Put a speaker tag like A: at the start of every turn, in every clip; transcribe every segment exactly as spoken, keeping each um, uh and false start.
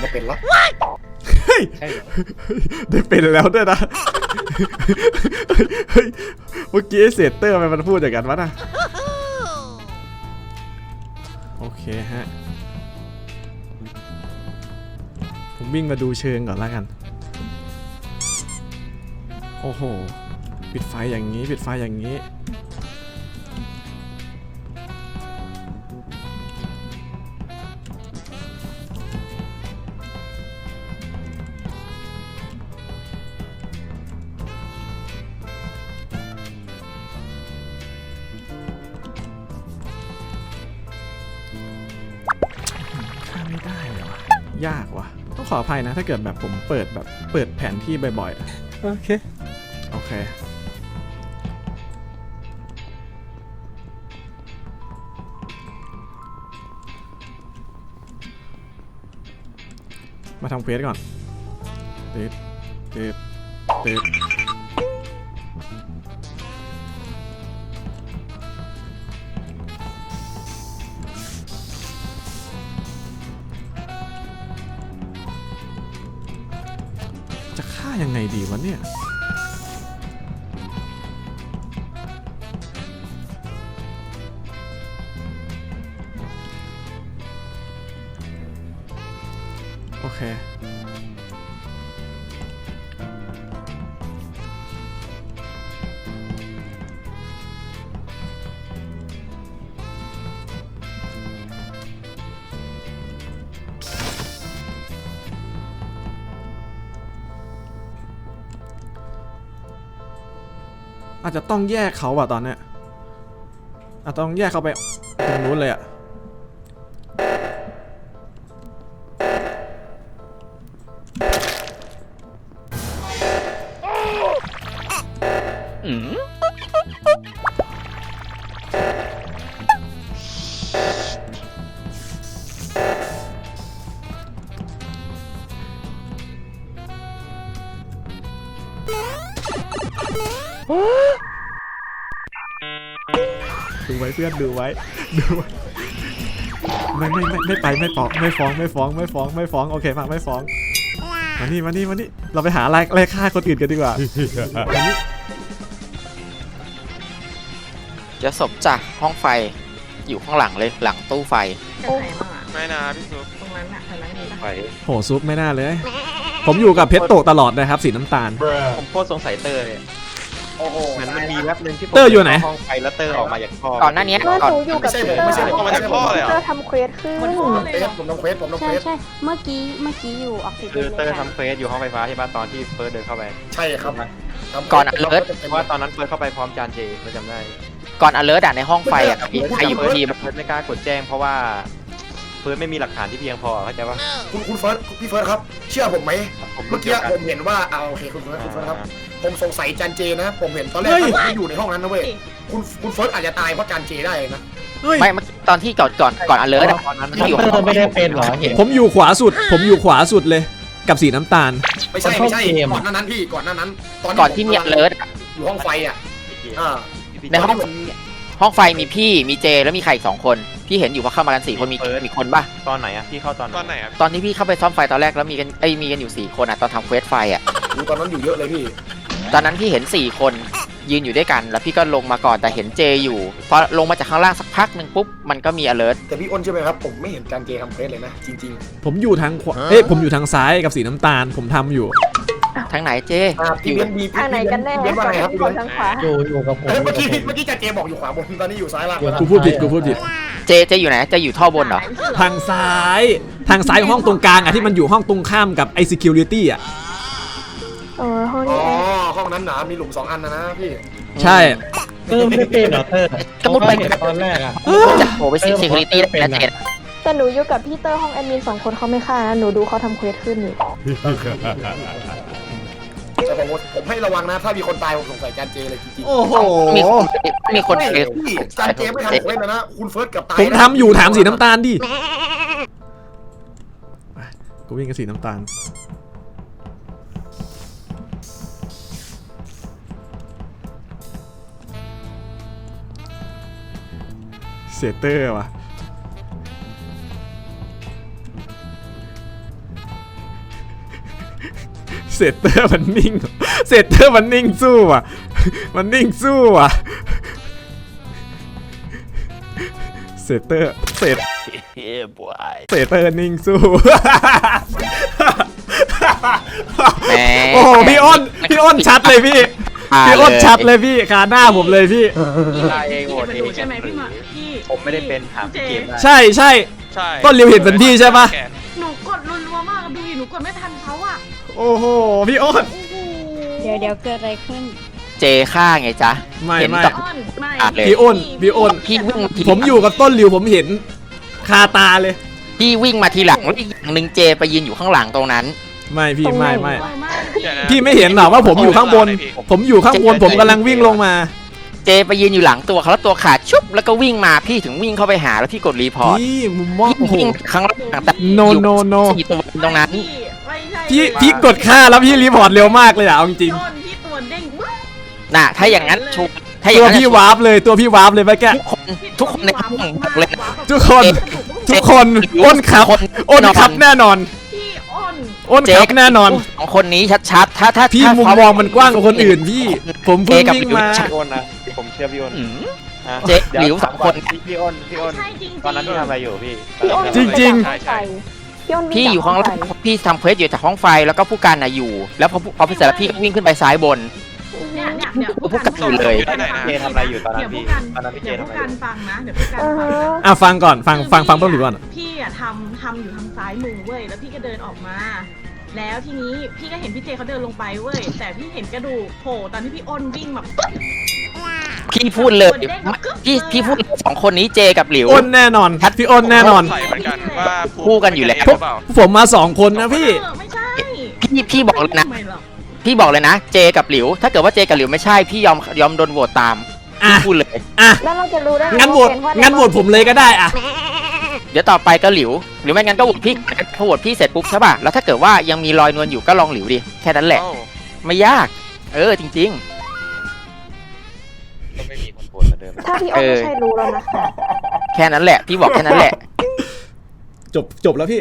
A: ไม่เป็นแล้ว
B: ได้เป็นแล้วด้วยนะเมื่อกี้เซเตอร์มันพูดอย่างนั้นวะนะโอเคฮะผมวิ่งมาดูเชิงก่อนแล้วกันโอ้โหปิดไฟอย่างนี้ปิดไฟอย่างนี้ฆ่าไม่ได้เหรอยากว่ะต้องขออภัยนะถ้าเกิดแบบผมเปิดแบบเปิดแผนที่บ่อยๆโอเคโอเคมาทำเควสก่อนเด็ดเด็ดเด็ดจะฆ่ายังไงดีวะเนี่ยโอเคอาจจะต้องแยกเขาอะตอนเนี้ยอาจจะต้องแยกเขาไปตรงนู้นเลยอะดูไว้เพื่อนดูไว้ดูไว้ไม่ไม่ไม่ไม่ไปไม่ฟ้องไม่ฟ้องไม่ฟ้องไม่ฟ้องไม่ฟ้องโอเคมาไม่ฟ้องมานี่มานี่มานี่เราไปหาอะไรอะไรฆ่าคนอื่นกันดีกว่ามานี่
C: จะศพจากห้องไฟอยู่ข้างหลังเลยหลังตู้ไฟ
D: โอ้บ้างอ่ะ
E: ไม่นะพี่ซุป
D: ตรงนั้นอ่ะตรงนั้นมีป่ะ
E: ไฟ
B: โหซุปไม่น่าเลย ผมอยู่กับเพชรโตตลอดนะครับสีน้ำตาล
E: ผมโคตรสงสัยเตอร์เลย
A: โอ้โห
E: เหมือนมันมีแวบนึงที่ผม
B: เตอร์อยู่ไหน
E: ห้องไฟแล้วเตอร์ออกมาจากท่อ
C: ก่อนหน้านี้
F: เมื่อ
C: ก่อน
F: หนูอยู่กับ
A: ไม่ใช่
F: พี
A: ผม
F: เตอ
A: ไม่
F: ร์
A: ใช่ผมไม่ใช่ผม
F: พีเตอร์ทำเควสขึ้น
D: มัน
A: ผม
D: เลยเหรอ
A: ผมต้องเควสผมต้อง
F: ใช่
A: เควส
F: ใช่เมื่อกี้เมื่อกี้อยู่ออกซิเจ
E: คือน เตอร์ทำเควสอยู่ห้องไฟฟ้าใช่ป่ะตอนที่เฟิร์สเดินเข้าไป
A: ใช่ครับ
C: ก่อนอเลิร์ต
E: เพราะว่าตอนนั้นเฟิร์สเข้าไปพร้อมจานเจไม่จำได้
C: ก่อนอเลิร์ตในห้องไฟอ่ะมีใครอยู่ทีม
E: เฟิร์สไม่กล้ากดแจ้งเพราะว่าเฟิร์สไม่มีหลักฐานที่เพียงพอเข้าใจป่ะ
A: คุณคุณเฟิร์สพี่เฟิร์สครับเชื่อผมไหม
E: ผม
A: เมื่อกี้ผมเห็นว่าเอาโอเคคุณเฟิร์สคุณเฟิร์สครับผมสงสัยจันเจนะผมเห็นตอนแรกผมไม่อยู่ในห้องนั้นนะเว้ยคุณคุณเฟิร์สอาจจะตายเพราะจันเจได้นะ
B: เฮ้ย
C: ไม่เมื่อกี้ตอนที่ก่อนก่อนก่อนอเลิร์ต
E: ตอนนั้น
C: ที่อยู่
G: เตอร์ไม่ได้เป็นเหรอเห็น
B: ผมอยู่ขวาสุด ผมอยู่ขวาสุดเลยกับสีน้ำตาล
A: ไม่ใช่ไม่ใช่ก่อนหน้านั้นพี่ก่อนหน้านั้น
C: ก่อนที่มีอเลิร์ต
A: อยู่ห้องไฟอ่ะอ่า
C: ในห้องห้องไฟมีพี่มีเจแล้วมีใครอีกสองคนพี่เห็นอยู่ว่าเข้ามากันสี่คนมีมีคนป่ะ
E: ตอนไหนอะพี่เข้าตอน
H: ตอนไหนอ่ะ
C: ตอนที่พี่เข้าไปซ่อมไฟตอนแรกแล้วมีกันไอ้มีกันอยู่สี่คนอ่ะตอนทำเควสไฟอ่ะ
A: ตอนนั้นอยู่เยอะเลยพี่
C: ตอนนั้นพี่เห็นสี่คนยืนอยู่ด้วยกันแล้วพี่ก็ลงมาก่อนแต่เห็นเจอยู่พอลงมาจากข้างล่างสักพักหนึ่งปุ๊บมันก็มี alert
A: แต่พี่อ้นใช่ไหมครับผมไม่เห็นจันเจทำเควสเลยนะจริง
B: ผมอยู่ทางขวาเอ้ยผมอยู่ทางซ้ายกับสีน้ำตาลผมทำอยู่
C: ทางไหนเจ
A: ๆอ่าพี่เบนบี
F: ทางไหนกันแน่
A: พี่เบนว่าไงครับพี่
F: ค
A: เบ
F: น
A: น
F: ทางขวา
G: อยู่อยู่กับผม
A: เอ้ยเมื่อกี้เมื่อกี้จันเจบอกอยู่ขวาบนตอนนี้อยู่ซ้ายล่างแล้ว
B: กูพูดผิดกูพูดผิด
C: เจเจอยู่ไหนเจอยู่ท่อบนเหรอ
B: ทางซ้ายทางซ้ายของห้องตรงกลางอ่ะที่มันอยู่ห้องตรงข้ามกับไอ security อ่ะ
F: เออห้อง
A: อ๋
F: นี้
A: อ
F: เอง
A: ห้องนั้นหนามีหลุมสองอันนะนะพี่
B: ใช่
G: เตอร์ไม่ได้เป็นเหรอเตอร์
C: ก็มุดไป
G: เห็นตอนแรกอะ
C: จะโผล่ไปซีคิวริตี้ได้นะเจ
F: แต่หนูอยู่กับพี่เตอร์ห้องแอดมินสองคนเขาไม่ฆ่านะหนูดูเขาทำเควสขึ้นอยู่
A: แต่ผมผมให้ระวังนะถ้ามีคนตายผมสงสัยจันเจเลยจริง
B: โอ้โห
C: มีคนมี
A: ๆ
C: คน
A: ไม่
C: เฟซ
A: พี่จันเจไม่ทำเควสเลยนะคุณเฟิร์สเกับตาย
B: ผมทำอยู่ถามสีน้ำตาลดิกูวิ่งกับสีน้ำตาลเซเตอร์ว่ะเซตเตอร์มันนิ่งเซตเตอร์มันนิ่งสู้อ่ะมันนิ่งสู้อ่ะเซตเตอร์เซตเซตเตอร์นิ่งสู้
C: แหม
B: โอ้โหพี่อ้นพี่อ้นชัดเลยพี่พี่อ้นชัดเลยพี่คาหน้าผมเลยพี่
D: พี่
E: ตายเองโหวต
D: เป็น
E: เอ
D: หนู
E: ง
D: ใช่ไหมพี่มาพี่
E: ผมไม่ได้เป็นถามพี่เกมได้
B: ใช่ใช่
H: ใช่
B: ต้นริวเห็นเป็นพี่ใช่ปะ
D: หนูกดรัวๆมากดูดิหนูกดไม่ทันเขาอ่ะ
B: โอ้โหพี่อ้น
D: โอ้โห
F: เดี๋ยวเดี๋ยวเกิดอะไรขึ้น
C: เจฆ่าไงจ๊ะ
B: ไม่
C: เห็น
B: ไม่
C: กับ
D: อ้อนไม่
C: อ่ะเลย
B: พี่อ้นพี่อ้น
C: พี่วิ่งที
B: ผมอยู่กับต้นริวผมเห็นคาตาเลย
C: พี่วิ่งมาทีหลังแล้วอีกอย่างหนึ่งเจไปยืนอยู่ข้างหลังตรงนั้น
B: ไม่พี่
F: ตรงไหน
B: ไม่ไม่
D: โอ้ยมาก
H: เดี๋ยวนะ
B: พี่ไม่เห็นหรอว่าผมอยู่ข้างบน ผมอยู่ข้างบนผมกำลังวิ่งลงมา
C: เจไปยืนอยู่หลังตัวเขาแล้วตัวขาดชุบแล้วก็วิ่งมาพี่ถึงวิ่งเข้าไปหาแล้วพี่กดรีพอร์ต
B: พี่มุมมอง
C: พี่
B: โอ้โห
C: วิ่งข้างหลังแต่
B: no
C: อยู่
B: no no
C: สี่ตัวตรงนั้น
D: พี่ไม่ใช่
B: พี่พี่กดค่าแล้วพี่รีพอร์ตเร็วมากเลยอะเอาจริง
D: พี่อ้นพี่ตัวเด้งว้าว
C: น่ะถ้าอย่างนั้นชุบถ้าอ
B: ๆ
C: ย่า
B: ตัว
C: งนั้น
B: พี่วาร์ปเลยตัวพี่วาร์ปเลยเมื่อกี้
C: ทุกคนทุกคนในห้องบอกเลยนะ
B: ทุกคนทุกคนอ้นครับอ้นครับแน่นอน
D: พี่อ้น
B: อ้นครับแน่นอน
C: สองคนนี้ชัดๆถ้าถ้า
B: พี่
C: ถ้า
B: มุมมองมันกว้างกว่าคนอื่นพี่ ผมเพิ่งวิ่งมา
E: พี่อ้นนะผมเชื่อพี่อ้น
C: อืม
E: ฮะ
C: เจ๊
E: ดี๋ย
C: หลิวสองคน
E: พี่พี่อ้นพี่อ้น
D: ใช่จริงๆ
E: ตอนนั้นพี่ทำอะไรอยู่พี่
F: พี่อ้น
B: จริงๆ
F: วิ่จากห้อไฟพี่อ้นวิ่
C: พี่
F: จาก
C: อยู่ข้างล่าง
F: ไฟ
C: พี่ทำเควสอยู่จากห้องไฟแล้วก็ผู้การน่ะอยู่ แล้วพอพอพี่เสร็จแล้วพี่ก็วิ่งขึ้นไปซ้ายบน
D: เนี่ยเนี่ยเดี๋ยว
C: พวกกันอยู่เลย
E: เจทำอะไรอยู่ตอนนั้น
D: เดี๋ยว
E: พี่
D: ผู้การ
E: ตอนนั้นพี่เจ
D: เดี๋ยว
E: ทำ
D: ผู้
E: อะไร
D: การ
E: อยู่
D: ฟังนะเดี๋ยวผู้การ
F: อือ
D: ฟัง
F: ฮะ
D: นะ
B: อ่ะฟังก่อนฟังฟังฟังต้นหลิวก่อน
D: พี่อะทำทำอยู่ทางซ้ายมือเว้ยแล้วพี่ก็เดินออกมา แล้วทีนี้พี่ก็เห็นพี่เจเขาเดินลงไปเว้ยแต่พี่เห็นกระดูกโผล่ตอนที่พี่อ้นวิ่งแบบ
C: พี่พูดเลยพี่พี่พูดเลยสองคนนี้เจกับหลิว
B: อ้นแน่นอนพี่อ้นแน่นอน
H: ใส่เหมือนกันว่า
C: คู่กันอยู่แล้ว
H: หรือเปล่า
B: ผมมาสองคนนะพี่
D: เออไม่ใช่
C: พี่พี่บอกเลยนะ
D: ไม่หรอก
C: พี่บอกเลยนะ เจกับหลิว ถ้าเกิดว่าเจกับหลิวไม่ใช่พี่ยอมยอมโดนโหวตตาม
B: อ่ะ
C: พี่พูดเลย
B: อ่ะ
F: แล้วเราจะรู้ได้ไ
B: งั้นโหวต
F: เป็เพราะ
B: งั้นโหวตผมเลยก็ได้อ่ะ
C: เดี๋ยวต่อไปก็หลิว หรือไม่งั้นก็โหวตพี่พอโหวตพี่เสร็จปุ๊บใช่ป่ะแล้วถ้าเกิดว่ายังมีรอยนวลอยู่ก็ลองหลิวดิแค่นั้นแหละ
H: เอ้า
C: ไม่ยาก เออจริง
E: ก็ไม่มีคนโหวตเหมือนเดิม
F: ถ้าพี่อ้นไม่ใช่รู้แล้วนะคะ
C: ๆ แค่นั้นแหละ พี่บอกแค่นั้นแหละ
B: จบจบแล้วพี่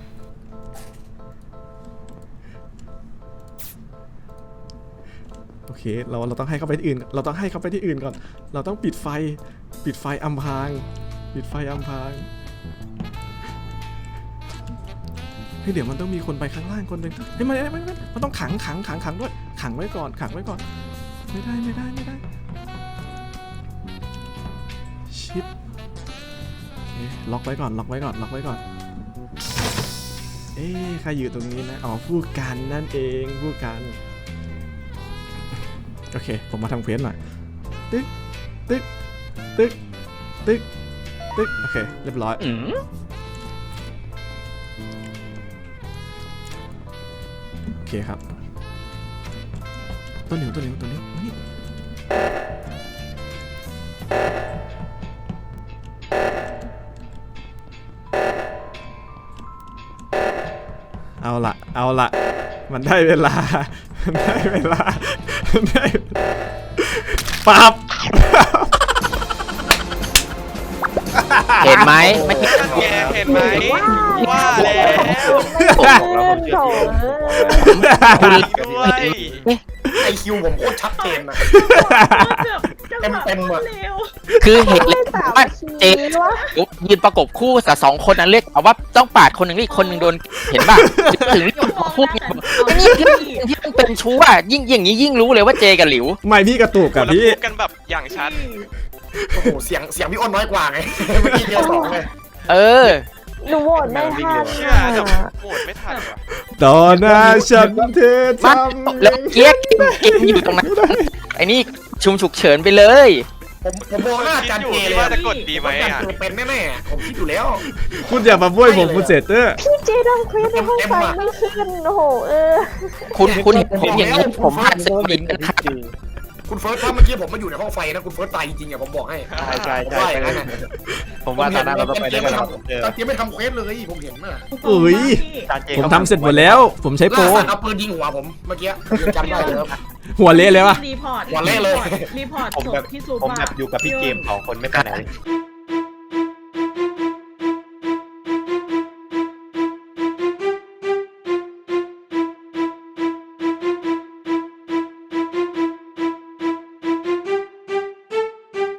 B: โอเคเราเราต้องให้เขาไปที่อื่น เราต้องให้เขาไปที่อื่นก่อน เราต้องปิดไฟ ปิดไฟอำพราง ปิดไฟอำพรางเฮ้ยเดี๋ยวมันต้องมีคนไปข้างล่างคนหนึ่งเฮ้ยมันมันมันมันต้องขังขังขังขังด้วยขังไว้ก่อนขังไว้ก่อน ไม่ได้ไม่ได้ไม่ได้ชิปโอเคล็อกไว้ก่อนล็อกไว้ก่อนล็อกไว้ก่อน เอ๊ะใครอยู่ตรงนี้นะอ๋อผู้กันนั่นเองผู้กันโอเคผมมาทำเควสหน่อยตึ๊กตึ๊กตึ๊กตึ๊กตึ๊กโอเคเรียบร้อย
C: อืม
B: โอเคครับตัวเหนียวตัวเหนียวตัวเหนียวมานี่เอาละเอาละมันได้เวลามันได้เวลามันได้ปับ
C: เห็นไหมไม่เห็น
H: นั่นไงเห็นไหมว่าแล้ว
F: ขึ้นโถเอ้ย
C: คุณ
H: ด้วย
A: ไอคิวผมโคตรชัดเจนนะ
D: เต็ม
A: เต็มๆอะ
D: เร็ว
C: คือเห็นเลย
F: สาม
C: ว่า
F: ที
C: เจ
F: วะ
C: ยืนประกบคู่แต่สองคนนั้นเรียกเอาว่าต้องปาดคนหนึ่งแล้วอีกคนหนึ่งโดนเห็นป่ะถึงเรียกว่าพูดไงไอ้นี่ที่ที่มันเป็นชู้อ่ะยิ่งอย่างนี้ยิ่งรู้เลยว่าเจกับหลิว
B: ไม่พี่กระตุกกับ
H: แล้ว
B: พี่
H: พูดกันแบบอย่างชัด
A: โอ้โหเสียงเสียงพี่อ้นน้อยกว่าไงเมื่อกี้เดียวสองเลย
C: เออ
F: หนูโหวตไม่ทัน
H: เชื่อ
F: อะ
H: แต่โหวตไม่ทันว่ะ
B: ต่อหน้าฉันเธอท
C: มา
B: ำ
C: แล้วเกียกเกมอยู่ตรงนั้นไอ้นี่ชุมฉุกเฉินไปเลย
A: ผมผมมองหน้าจันเจเลย
H: ว่าจะกดดีไหม
A: จัน
H: อ่ะ
A: เจเป็นแน่ๆผมคิดอยู่แล้ว
B: คุณอย่ามาบ้วยผมคุณเสร็จเตอร์
F: พี่เจทำเควสในห้องไฟไม่ขึ้นโอ้โหเออ
C: คุณคุณเห็นผมอย่างนี้ผมผ่านสมินนะครับ
A: คุณเฟิร์สถ้าเมื่อกี้ผมมาอยู่ในห้องไฟนะคุณเฟิร์สตายจริงๆอ่ะผมบอกให้
E: ใช่ใช่
A: ผม
E: ใช่
A: ว่าอย่างนั้นน่ะ
E: ผมว่าตอนนั้นเราต้องไปด้วยกันครับเจอ
A: จันเจไม่ทำเควสเลยผมเห็นน่ะ
B: เอ้ย
E: จานเจ
B: ผมทำเสร็จหมดแล้ว ผมใช้โปร
A: ล่าสัตว์เอาปืนยิงหัวผมเมื่อกี้ยังจำได้เลยครับ
B: หัวเละเลยวะ
D: รีพอร์ต
A: วันแรกเลย
D: รีพอร์ต
E: ผม
D: จ
E: แบบ บ
D: ที่สุด
E: ผม
D: ว่า
E: แบบอยู่กับพี่เกมสองคนไม่ไปไหนเลย